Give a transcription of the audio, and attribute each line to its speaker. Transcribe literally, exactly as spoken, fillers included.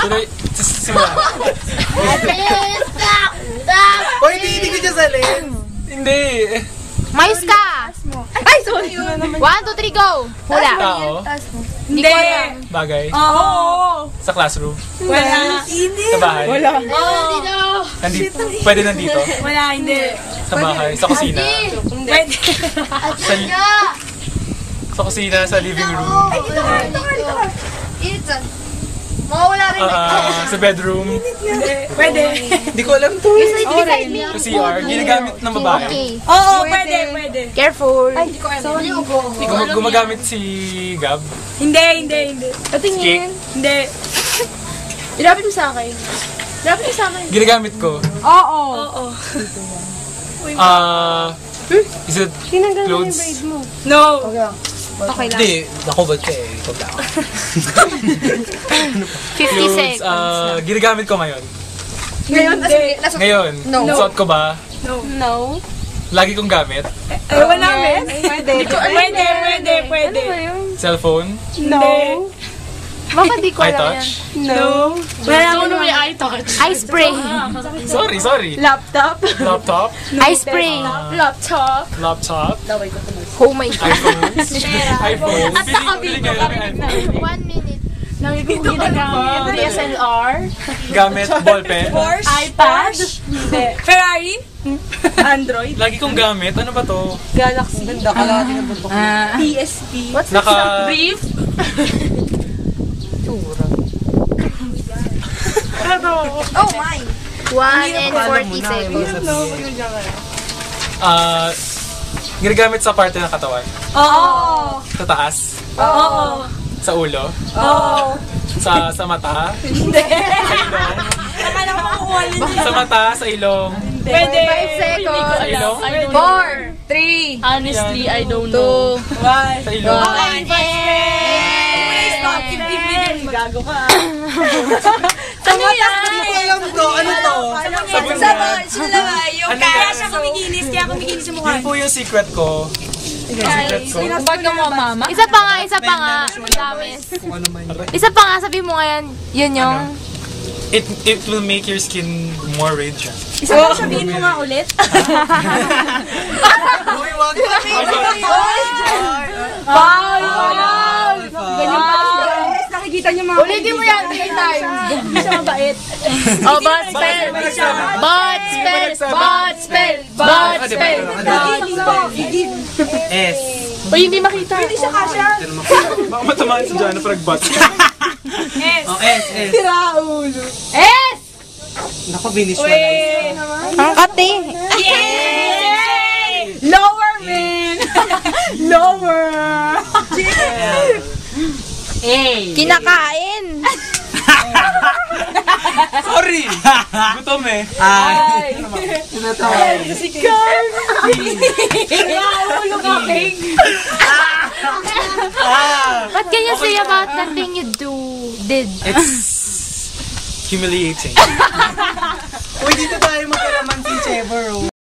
Speaker 1: Tuloy, simula.
Speaker 2: O, hindi, hindi ko siya salin.
Speaker 1: Hindi.
Speaker 3: Mayos ka!
Speaker 4: Ay, sorry.
Speaker 3: One, two, three, go! Hula.
Speaker 1: Tao.
Speaker 3: Hindi.
Speaker 1: Bagay.
Speaker 4: Oo.
Speaker 1: Sa classroom.
Speaker 4: Wala.
Speaker 1: Sa bahay.
Speaker 4: Wala.
Speaker 1: Nandito. Pwede nandito.
Speaker 4: Wala, hindi.
Speaker 1: Sa bahay. Sa kusina.
Speaker 4: Pwede.
Speaker 1: Sa, sa kusina, sa living room.
Speaker 4: Ay, dito ka, dito ka, dito ka.
Speaker 3: Dito. Mawala rin.
Speaker 1: Ah, sa bedroom.
Speaker 4: Pwede.
Speaker 2: Hindi ko alam to.
Speaker 1: Sa C R. Ginagamit ng babae.
Speaker 3: Okay.
Speaker 4: Oo, pwede, pwede.
Speaker 3: Careful.
Speaker 4: Ay, hindi ko alam.
Speaker 1: Gum- gumagamit si Gab.
Speaker 4: Hindi, hindi, hindi.
Speaker 1: Cake.
Speaker 4: Hindi.
Speaker 3: Ilapit mo sa akin. Ilapit mo sa akin.
Speaker 1: Ginagamit ko.
Speaker 4: Oo. Oo.
Speaker 1: Ah, is it clothes?
Speaker 4: No.
Speaker 3: Okay lang.
Speaker 2: Hindi, nakubad ka eh. Ikaw lang.
Speaker 3: fifty
Speaker 1: Clothes,
Speaker 3: seconds.
Speaker 1: ah, ginagamit ko ngayon.
Speaker 4: Ngayon, hindi.
Speaker 1: Ngayon, suot ko ba?
Speaker 3: No.
Speaker 1: Lagi kong gamit.
Speaker 4: Ewan namin. Pwede. Pwede, pwede, pwede.
Speaker 1: Cellphone.
Speaker 4: No.
Speaker 3: Bakit di ko
Speaker 1: Eye
Speaker 3: alam yan?
Speaker 1: touch.
Speaker 4: No. Wala ko naman yung eye touch.
Speaker 3: Eye spray.
Speaker 1: Sorry, sorry.
Speaker 4: Laptop.
Speaker 1: Laptop.
Speaker 3: Eye spray.
Speaker 4: Laptop.
Speaker 1: Laptop.
Speaker 3: Oh my God.
Speaker 1: iPhones. iPhone. Pili, pili ngayon ang iPhone.
Speaker 3: One minute.
Speaker 4: Lagi ko ginagamit. D S L R.
Speaker 1: Gamit, ballpen.
Speaker 4: Porsche. iPad. Hindi. Ferrari. Android.
Speaker 1: Lagi kong gamit. Ano ba to?
Speaker 4: Galaxy. Ganda ka lang din ang bundok. P S P. What's
Speaker 1: Naka...
Speaker 4: brief?
Speaker 3: Oh my. One and forty seconds.
Speaker 1: Ah... ginagamit sa parte ng katawan.
Speaker 4: Oo.
Speaker 1: Sa taas.
Speaker 4: Oo.
Speaker 1: Sa ulo.
Speaker 4: Oo.
Speaker 1: Sa sa mata.
Speaker 4: Hindi.
Speaker 1: Sa ilong.
Speaker 4: Akala ko makukuha din.
Speaker 1: Sa mata, sa ilong.
Speaker 4: Pwede.
Speaker 3: Five seconds.
Speaker 1: Sa ilong.
Speaker 3: Four. Three.
Speaker 4: Honestly, I don't know. One.
Speaker 1: Sa ilong.
Speaker 4: Okay, Please stop. fifteen minutes. Gago ka. Ano yan?
Speaker 2: Hindi ko alam to. Ano to?
Speaker 1: Sabon
Speaker 4: Sa
Speaker 1: yan.
Speaker 4: sila naman. Yung
Speaker 1: Ano
Speaker 4: kaya
Speaker 1: yan?
Speaker 4: siya kumikinis, kaya kumikinis yung mukha.
Speaker 1: Yun po yung secret ko. Yung secret ko.
Speaker 4: Ba't ka mo, mama?
Speaker 3: Isa pa nga, isa pa nga. Damis.
Speaker 2: Kung ano man yun.
Speaker 3: Isa pa nga, sabi mo ngayon, yun yung...
Speaker 1: It it will make your skin more radiant.
Speaker 4: Isa pa sabihin mo nga ulit.
Speaker 2: Uy, wag ka.
Speaker 4: Wow! Ganyan pa si Jones. Nakikita niyo mga... Ulitin mo yan three times. Hindi siya mabait.
Speaker 3: Oh, bot spell! Bot spell! Bot spell! Bot spell!
Speaker 2: S.
Speaker 3: O, hindi makita.
Speaker 4: Hindi siya kasha.
Speaker 1: Baka matamaan si Jana pag bat.
Speaker 4: S.
Speaker 2: Oh, S, S.
Speaker 4: Tiraulo. S!
Speaker 2: Naku, binisualize.
Speaker 3: Ang kati.
Speaker 4: Yay! Lower, man! Lower! Hey!
Speaker 3: Kinakain.
Speaker 1: Sorry! Gutom eh.
Speaker 2: Ay. Tinatawa.
Speaker 4: Si Carl! Tiraulo ka, King!
Speaker 3: What can you say about the thing you do, did?
Speaker 1: It's humiliating.
Speaker 2: Uy, dito tayo magkalaman si Trevor.